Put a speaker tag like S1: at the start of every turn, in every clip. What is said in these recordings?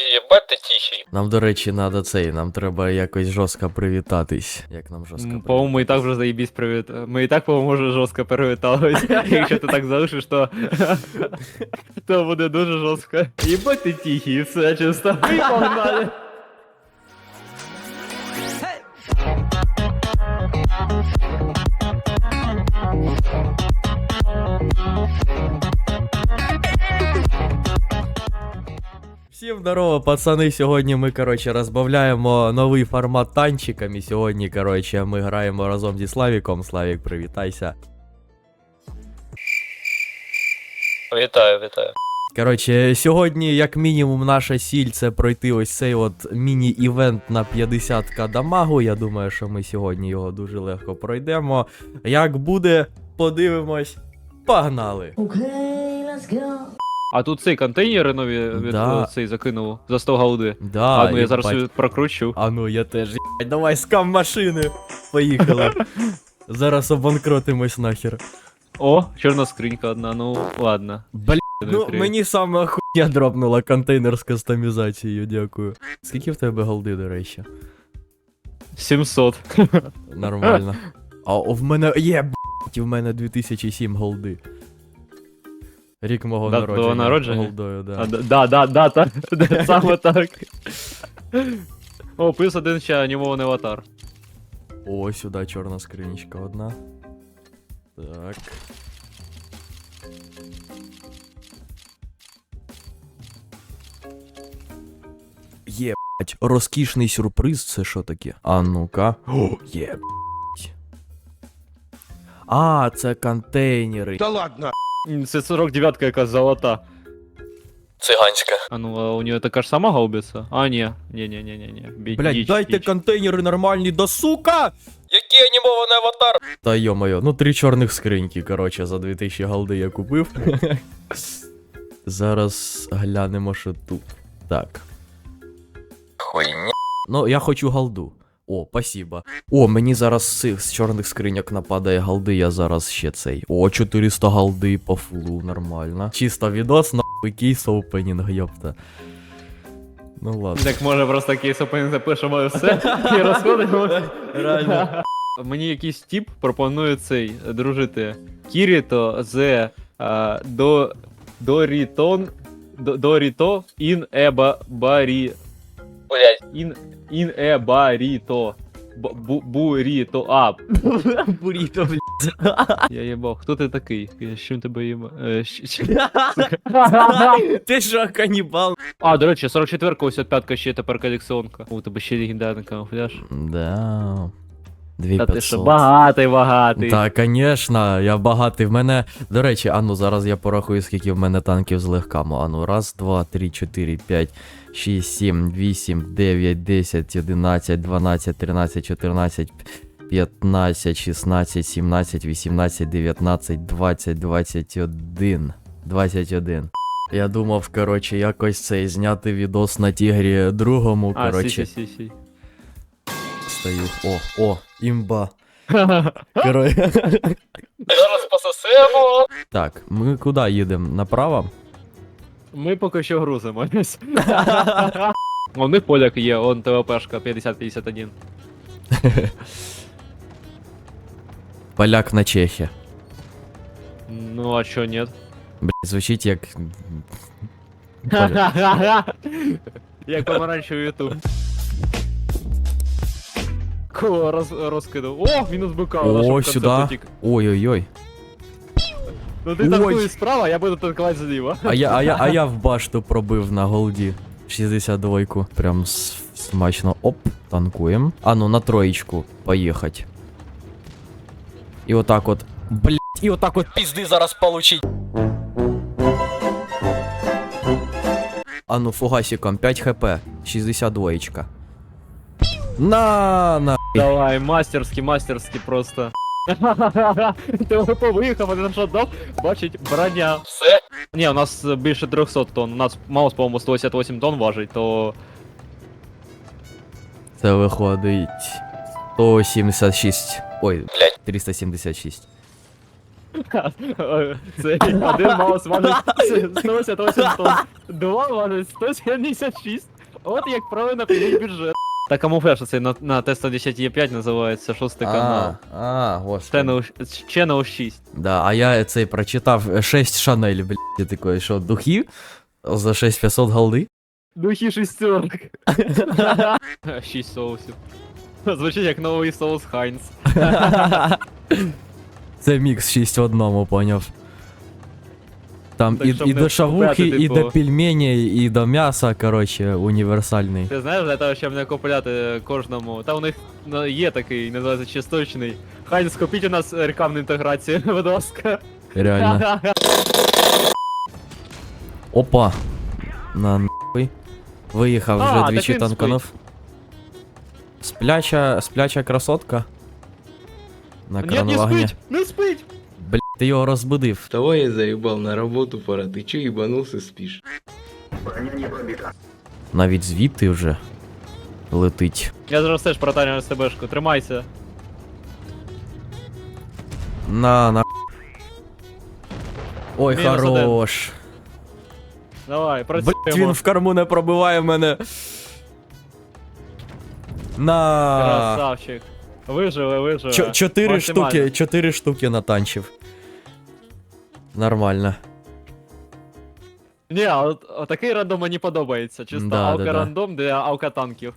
S1: Єбать ти тихий.
S2: Нам, до речі, нам треба якось жорстко привітатись. Як нам жорстко привітатись?
S3: По-моему, мы и так уже заебись привет. Мы и так, по-моему, уже жорстко привітались. Якщо ти так залишиш, то... то буде дуже жорстко. Єбать ти тихий, все чисто. І погнали.
S2: Всім здорово, пацани. Сьогодні ми, розбавляємо новий формат танчиками. Сьогодні, ми граємо разом зі Славіком. Славік, привітайся.
S1: Вітаю.
S2: Сьогодні, як мінімум, наша ціль це пройти ось цей от міні-івент на 50к дамагу. Я думаю, що ми сьогодні його дуже легко пройдемо. Як буде, подивимось. Погнали!
S4: Okay, let's go.
S3: А тут цей контейнери нові
S2: Да.
S3: цей закинув за 100 голди.
S2: Да,
S3: А ну я зараз
S2: їбать.
S3: прокручу.
S2: А ну я теж, ебать, давай скам машини. Поїхали. Зараз обанкротимось нахер.
S3: О, чорна скринька одна, ну ладно.
S2: Блін, ну
S3: Відкрию.
S2: мені саме хуйня дропнула контейнер з кастомізацією, дякую. Скільки в тебе голди, до речі?
S3: 700.
S2: Нормально. А в мене блять, в мене 2007 голди. Рік мого
S3: Дата
S2: народження.
S3: твого народження?
S2: Голдою, да.
S3: Да, саме так. О, плюс один ще анімований аватар.
S2: О, сюди чорна скринічка одна. Так. Єбать, розкішний сюрприз, це що таке? А ну-ка. О, єбать. А, це контейнери.
S3: Це 49-ка якась золота.
S1: Циганська.
S3: А ну, а у нее така ж сама гаубица? А, ні.
S2: Блять, дайте контейнери нормальні, да сука!
S1: Який анімований аватар?
S2: Та йо-моє, ну 3 чорних скриньки, за 2000 голди я купив. Зараз глянемо, що тут. Так.
S1: Хуйня.
S2: Ну, я хочу голду. О, спасибо. О, мені зараз з чорних скриньок нападає голди, я зараз ще цей. О, 400 голди по фулу, нормально. Чисто відос, нахуй кейс опенінг, йопта. Ну ладно.
S3: Так може просто кейс опенінг запишемо і все, і розходимо.
S2: Реально.
S3: Мені якийсь тип пропонує цей, дружити. Кіріто з Доріто ін еба барі.
S1: Блять.
S3: Ін ебаріто. Буріто. А,
S2: Буріто, блядь.
S3: я їбав. Хто ти такий? Я з чим тебе їбав?
S2: Ти що, канібал?
S3: А, до речі, 44-ка, ось 5-ка ще тепер колекціонка. У тебе ще легендарний камуфляж.
S2: Да.
S3: Та ти що,
S2: 2500.
S3: багатий.
S2: Та, конечно, я багатий. В мене, до речі, ану, зараз я порахую, скільки в мене танків з легками. Ану, 1, 2, 3, 4, 5, 6, 7, 8, 9, 10, 11, 12, 13, 14, 15, 16, 17, 18, 19, 20, 21. 21. Я думав, якось цей зняти відос на Тігрі другому,
S3: А, сі.
S2: Стою. О, імба.
S1: Зараз пососемо.
S2: Так, ми куди їдемо? Направо?
S3: Ми поки що грузимось. У них поляк є, он ТВПшка 50-51.
S2: Поляк на Чехі.
S3: Ну а чо нет?
S2: Блять, звучить як.
S3: Як помаранчевий ютуб. Кого розкидав? О, мінус БК.
S2: О, сюди. Ой-ой-ой.
S3: Ну ти
S2: Ой.
S3: танкуєш справа, я буду танкувати зліва.
S2: А я в башту пробив на голді. 62-ку. Прям смачно. Оп, танкуємо. А ну, на троєчку. Поїхать. І отак от. Блять, і отак от пізди зараз получить. А ну, фугасиком, 5 хп. 62-ка. На.
S3: Давай, мастерськи просто. ТВП виїхав, один що дав, бачить, броня.
S1: Все.
S3: Ні, у нас більше 300 тонн, у нас маус, по-моєму, 188 тонн важить, то...
S2: Це виходить 176. Ой,
S1: Блять.
S2: 376.
S3: Це один маус важить 188 тонн, два важить 176. От як правильно прийняти бюджет. Та камуфляж оцей на Т-110Е5 називається, 6 канал.
S2: господи.
S3: Channel 6.
S2: Да, а я цей прочитав 6 Шанель, блядь, я такой, що, духів? За 6500 голди?
S3: Духи шестерок. 6 соусів. Звучить як новий соус Хайнс.
S2: Це мікс 6 в одному, поняв. Там
S3: Так,
S2: і,
S3: щоб
S2: і
S3: не
S2: до шавухи,
S3: купляти,
S2: і
S3: типу.
S2: до пельменей, і до м'яса, коротше, універсальний.
S3: Ти знаєш, для того, щоб не купляти кожному. Та у них є такий, називається чисточний. Хайнс, купіть у нас рекламну інтеграцію, будь ласка.
S2: Реально. Опа. На нахуй. Виїхав
S3: А,
S2: вже
S3: так
S2: двічі
S3: він
S2: танканув. Спляча красотка. На
S3: Ні, не
S2: крановагні.
S3: спить! Не спить!
S2: Блять, ти його розбудив.
S5: Вставай, я заебал, на работу пора. Ты че ебанулся, спишь?
S2: Навіть звідти вже летить.
S3: Я зараз теж протарю СТБшку, тримайся.
S2: На. Ой,
S3: Мінус
S2: хорош.
S3: Давай,
S2: Блять, він
S3: працюємо.
S2: в корму не пробиває мене. На.
S3: Красавчик. Виживе.
S2: 4
S3: Максимально.
S2: штуки, 4 штуки натанчив. Нормально.
S3: Ні, а от такий рандом мені подобається. Чисто
S2: Да,
S3: алка
S2: да.
S3: рандом для алка танків.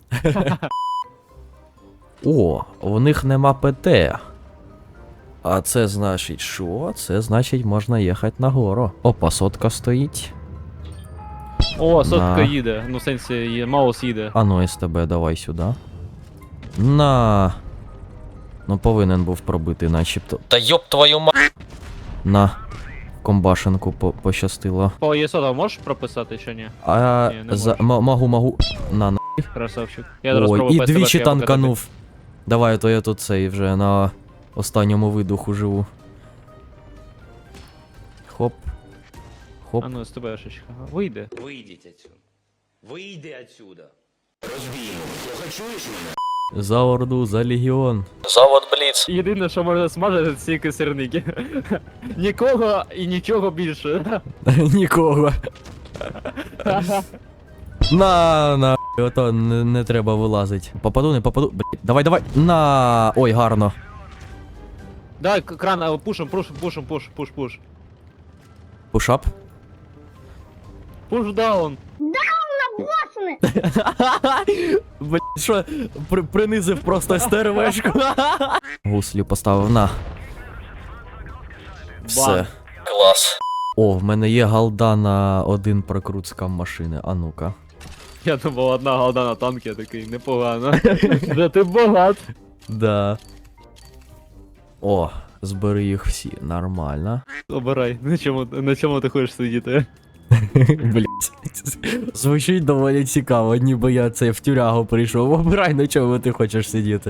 S2: О, у них нема ПТ. А це значить що? Це значить можна їхати нагору. Опа, сотка стоїть.
S3: О, сотка
S2: Да.
S3: їде. Ну, в сенсі, маус їде.
S2: А ну СТБ, давай сюди. На. Ну повинен був пробити, начебто.
S1: Та ёб твою мать.
S2: На. Комбашенку пощастило.
S3: По ЄСО можеш прописати чи ні?
S2: А
S3: Ні, не
S2: могу. На.
S3: Красавчик. Я зараз
S2: Ой,
S3: спробую
S2: і
S3: по СТБшки
S2: двічі
S3: покатати.
S2: танканув. Давай, то я тут цей вже на останньому видуху живу. Хоп. Хоп.
S3: А ну, СТБшечка. Вийде.
S6: Выйдите отсюда. Выйди отсюда.
S2: За Орду, за Легіон.
S1: Завод Бліц.
S3: Єдине, що можна смажити, це ці сирники. Нікого і нічого більше.
S2: Нікого. На. Ото не треба вилазить. Попаду, не попаду. Блядь, давай. На. Ой, гарно.
S3: Давай, кран, пуш.
S2: Пушап.
S3: Пуш даун.
S2: Блядь, що? Принизив просто стервешку. Гуслю поставив на. Все.
S1: Клас.
S2: О, в мене є галда на один прокрут скам машини. А ну-ка.
S3: Я думав, одна голда на танк, я такий, непогано. Да ти багат.
S2: Да. О, збери їх всі. Нормально.
S3: Обирай, на чому ти хочеш сидіти?
S2: Блять. Звучить доволі цікаво, ніби я це в тюрягу прийшов. Обирай, на чому ти хочеш сидіти.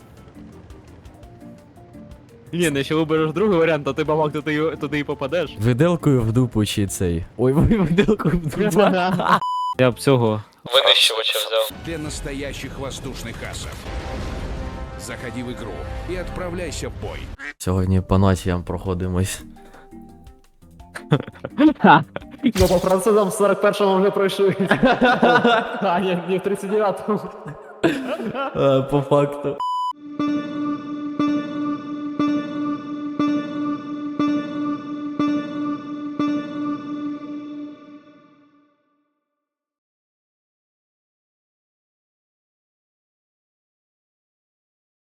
S3: Ні, ну якщо вибереш другий варіант, то ти бабак туди і попадеш.
S2: Виделкою в дупу чи цей. Ой, виделкою в дупу.
S3: Я б цього.
S1: Винищувача взяв.
S7: Для настоящих воздушных асов. Заходи в игру и отправляйся в бой.
S2: Сьогодні по націям проходимось.
S3: Ну, по французам в 41-му вже пройшли. А, ні, в 39-му.
S2: По факту.